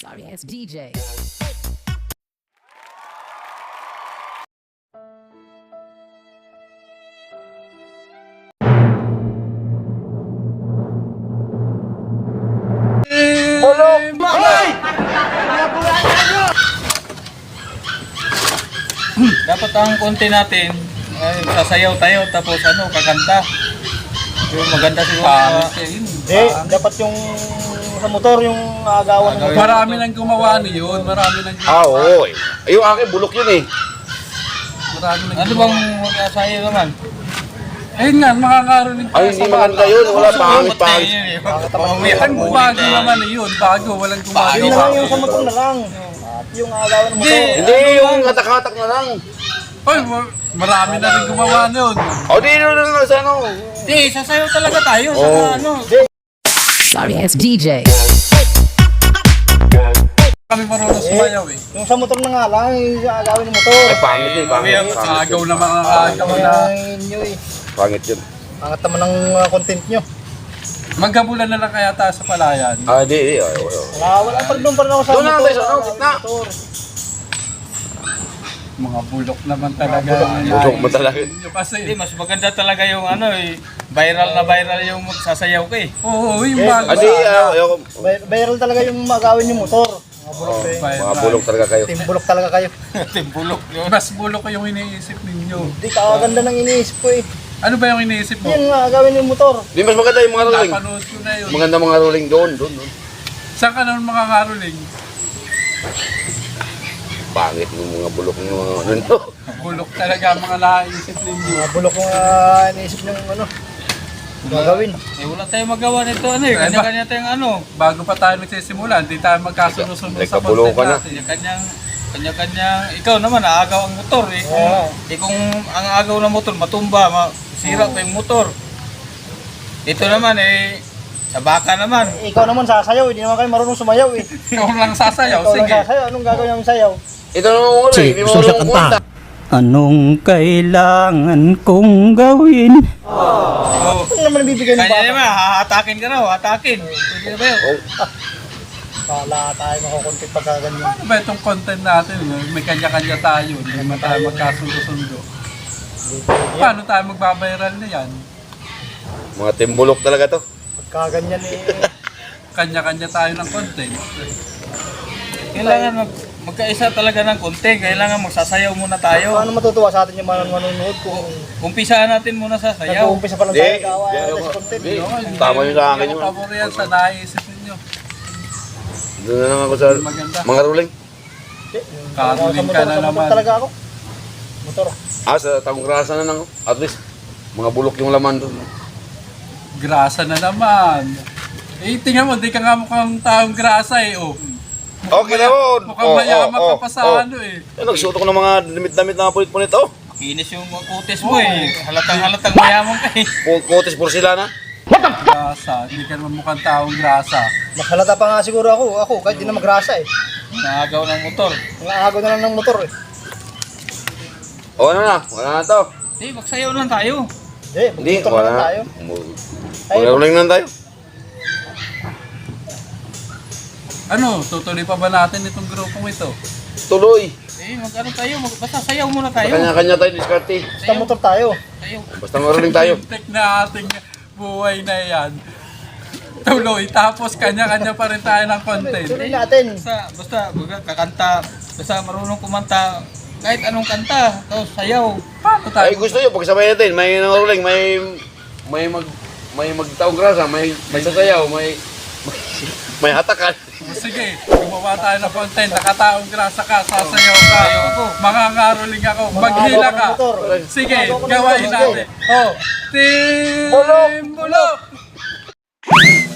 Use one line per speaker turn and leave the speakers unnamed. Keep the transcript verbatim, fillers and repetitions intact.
Sorry, it's D J.
Dapat ang konti natin, ay, sasayaw tayo tapos ano, kakanta. Yung maganda siguro.
Pangit
Uh,
Hindi, dapat yung sa motor, yung agawan ng motor.
Marami nang gumawa niyon, marami nang
Ah, oo. Eh. Ay, yung akin, bulok yun eh.
marami nang
ano bang magsasayaw naman?
Ayun nga, makakarinig
Ay, hindi maganda yun. Wala, pangit, pangit.
Ang bago naman eh yun, bago, walang
Yun na lang
gumagawa.
yung sa motor na lang. At yung agawan ng motor.
Hindi, yung hatak-hatak na lang.
Ay, ma- marami na rin gumawa niyon.
O, di nyo lang sa ano.
Hindi, sasayaw talaga tayo sa
Oo.
ano.
Sorry, it's D J.
Kami marunong sumayaw eh.
Yung sa motor na nga lang, yung sa agawin ng motor.
Ay, pangit yun, pangit. Pangit
Agaw
yun.
na mga agaw na.
Ay, inyo eh.
Pangit yun.
Pangat naman ng uh, content nyo.
Magkabulan na lang kaya tayo sa palayan.
Ah, di, di. Ay, wala.
Wala, wala pa rin doon pa rin ako sa
Doon na
motor.
tayo sa ano,
agawin
gitna.
ng motor.
Mga bulok naman talaga.
Bulok mo talaga.
Yung kasi,
Hindi, mas maganda talaga yung ano eh, viral na viral yung magsasayaw ka eh.
oo, yung
Eh,
bago.
Ah, di, ah, ayoko.
Bay- Viral talaga yung agawin yung motor. Mga bulok eh.
Mga bulok talaga kayo.
Team bulok talaga kayo.
Timbulok yun.
Mas bulok ko yung iniisip ninyo.
Hindi kakaganda ng iniisip ko eh.
Ano ba yung iniisip mo?
Yan nga, agawin yung motor.
Di, mas maganda yung mga rolling.
Napanood ko na yun.
Maganda mga rolling doon, doon, doon.
Saan ka naman makakaruling?
Pangit yung mga bulok ng mga ano no.
Bulok talaga ang mga naisip ninyo.
Mga bulok yung uh, iniisip ng ano. Gagawin.
Eh wala tayong magawa nito ano eh, kanya-kanya tayong ano.
Bago pa tayo nagsisimula, hindi tayo magkasunod-sunod sa
Nagkabulo
content
ka na.
natin.
Kanya-kanyang, kanya-kanyang, ikaw naman aagaw ang motor eh. Kung,
Oo.
eh, kung ang agaw ng motor matumba, masira pa yung motor. Ito naman eh, sa baka naman.
Eh, ikaw naman sasayaw, hindi naman kayo marunong sumayaw eh.
Ikaw lang sasayaw,
Ikaw lang
sige.
sasayaw, anong gagawin namin sayaw?
Ito naman mga rolling. Hindi mo marunong kumanta.
Anong kailangan kong gawin?
Oh.
Ano naman bibigay ng
Kanya
bata?
naman, hahatakin ka raw, hatakin. Pwede na ba yun?
Wala tayo makakontent pagka ganyan.
Ano ba itong content natin? May kanya-kanya tayo, hindi naman tayo magkasundo-sundo. Paano tayo magbabiral na yan?
Mga timbulok talaga to.
Pagka ganyan eh.
Kanya-kanya tayo ng content.
Kailangan mag, magkaisa talaga ng konti, kailangan magsasayaw muna tayo.
Paano matutuwa sa atin yung mga manonood kung
Umpisahan natin muna sa sayaw.
nag-uumpisa pa lang
Di,
tayo gawa
di,
natin
ako-
sa content.
di.
Hindi
Tama yun sa akin
Hindi
yun.
ako pabor yan sa naisip ninyo.
Doon na lang ako sa
Maganda.
mga rolling.
Di, yung
Kakaruling
sa
ka
motor,
na
sa motor
naman.
talaga ako. Motor.
Ah, sa taong grasa na lang. At least, mga bulok yung laman doon.
Grasa na naman. Eh, tingnan mo, di ka nga mukhang taong grasa eh, oh.
Okay na mo.
Mukhang mayaman ka pa sa ano eh.
Eh, nagsuot ko ng mga damit-damit na punit-punit. Oh,
Kinis yung mga kutis mo eh. Halatang halatang mayaman ka eh.
Pu- kutis porcelana.
Grasa, hindi ka naman mukhang taong grasa.
Mas halata pa nga siguro ako. Ako, kahit di na magrasa eh.
Naagaw ng motor.
Ang agaw na lang ng motor eh.
O, ano na? Wala na to.
Hindi, magsayaw lang tayo.
Hindi,
Hindi,
magmotor na
wala
lang
na.
tayo.
Mga rolling na tayo.
Ano, tutuloy pa ba natin itong grupong ito?
Tuloy.
Eh, mag ano tayo, mag, basta sayaw muna tayo.
Kanya-kanya tayo diskarte.
Basta motor tayo.
Sayaw.
Basta mga rolling tayo.
Tek na ating buhay na yan. Tuloy, tapos kanya-kanya pa rin tayo ng content.
Tuloy natin.
Basta, basta, baga, kakanta, basta marunong kumanta, kahit anong kanta, tapos sayaw.
Paano tayo?
Ay, gusto nyo, pagsabay natin. May mga rolling, may... May mag... May magtaong grasa, may... May sasayaw, may... May, may hatakan.
Sige, gumawa tayo ng content. Nakataong grasa ka, sasayaw ka. Mangangaroling ako, maghila ka. Sige, gawain natin. Oh, Team Bulok!